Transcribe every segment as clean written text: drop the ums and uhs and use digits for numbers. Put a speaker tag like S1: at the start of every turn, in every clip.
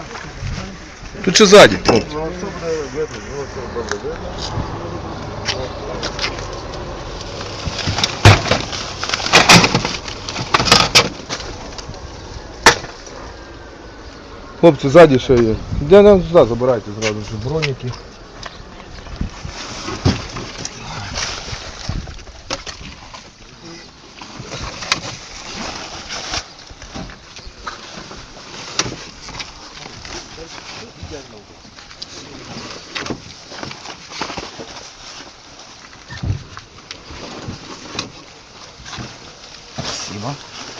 S1: Тут ще ззаді. Хлопці, ззаді ще є. Де нам сюди забирайте зразу ж броніки.
S2: Спасибо.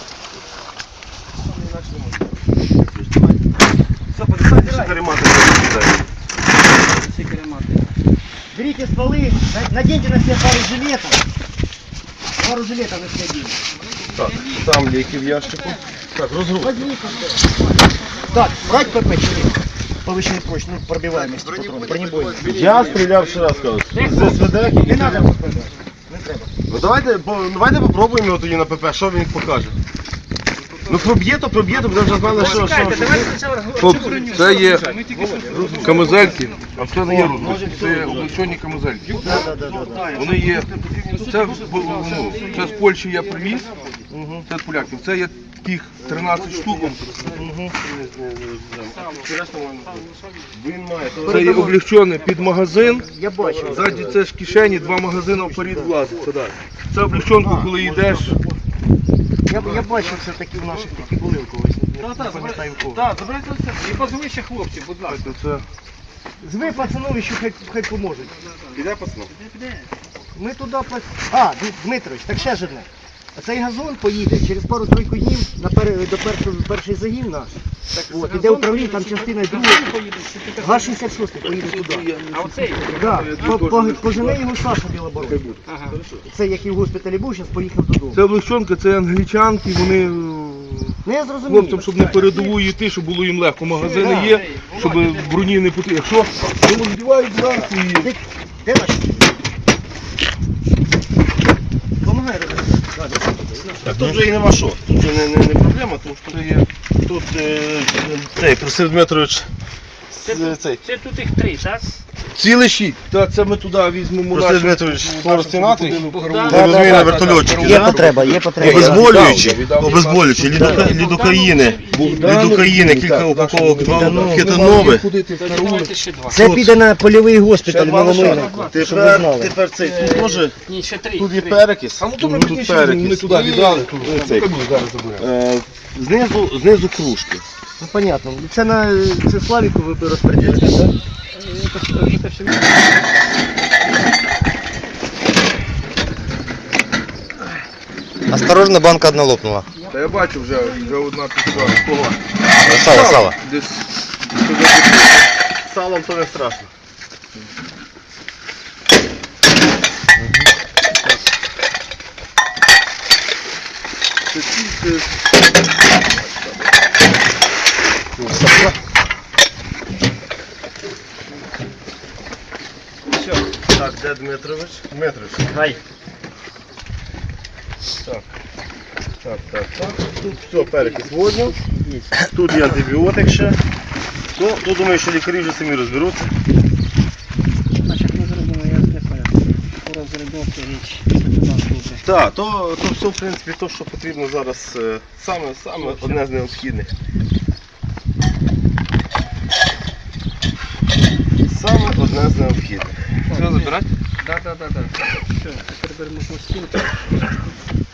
S3: Берите стволы, наденьте на себя пару жилетов. Пару жилетов на себя оденьте.
S1: Так, там ліки в ящику. Так, розгрузка.
S3: Так, брать ПП чи ні? Повищений прочь, ну пробиваемость патронов, бронебойный.
S4: Я стріляв ще раз, кажу. З СВД
S3: Не надо ПП. Не треба.
S4: Ну давайте попробуємо його тоді на ПП, що він покаже. Ну проб'є, то буде вже знали, що.
S1: Хлопці, це є камизельки, а це не є розгрузки. Це облегчені камизельки. Вони є, це з Польщі я привіз, це з поляків. Це є таких 13 штук. Це є облегчений під магазин.
S3: Я бачу.
S1: Ззаді це ж кишені, 2 магазини вперед влазить. Це облегченку, коли йдеш.
S3: Я бачив все таки в наших такі були у когось. Не пам'ятаю в кого.
S2: Так, забирайте все. І позови ще хлопців, будь ласка.
S1: Це
S3: Зви пацанові, що хай поможуть.
S4: Піде, пацан?
S3: Ми туди... Дмитрович, так ще ж одне. А цей газон поїде через пару-тройку днів до перший загін наш. От, іде управління, там частина друга. ГАЗ-66 поїде туди.
S2: А оцей?
S3: Да, пожене його Саша Білобород.
S2: Ага.
S3: Це як і в госпіталі був, зараз поїхав додому.
S1: Це облегченка, це англічанки, вони
S3: Ну я зрозумів.
S1: хлопцям, щоб не передову йти, щоб було їм легко. Магазини є, щоб броні не потрібно. Якщо вони вдівають зранку і...
S3: Де наш? Помагай,
S4: Так тут вже і нема що. Тут вже не проблема, тому що є. Тут цей Просив Дмитрович.
S2: Це тут їх 3, так?
S1: Цілий щит. Та це ми туди візьмемо.
S4: Просив Дмитрович розтинати.
S2: Богдан.
S4: Розумію на вертольотчики.
S3: Є потреба, є потреба.
S4: Обезболюючі, лідокаїни, кілька упаковок хетанових.
S2: Давайте ще 2.
S3: Це піде на польовий госпіталь Маломийнику, щоб ви знали.
S4: Тепер цей, тут може,
S2: Ні, ще 3.
S4: тут є перекис,
S1: А ну то ми
S4: тут
S1: пізніше ми туди віддали.
S4: цей.
S1: Зараз заберемо.
S4: Знизу кружки.
S3: Ну понятно. Це Славіку ви розподілите, так?
S5: Осторожно, банка одна лопнула.
S1: Та я бачу вже одна пішла. Кого?
S5: Сало.
S1: Десь.
S4: Салом то не страшно.
S1: Це тільки...
S4: Все. Так, де Дмитрович? Дмитрович.
S3: Хай.
S4: Так. Тут все, перекис водню. Тут є антибіотик ще. Тут думаю, що лікарі вже самі розберуться.
S3: Значить, ми зробимо, я не пам'ятаю. Розробився річ.
S4: Так, то все, в принципі, то, що потрібно зараз, саме одне з необхідних. Саме одне з необхідних.
S1: Все, забирати?
S2: Так. Все, тепер беремо пластинку.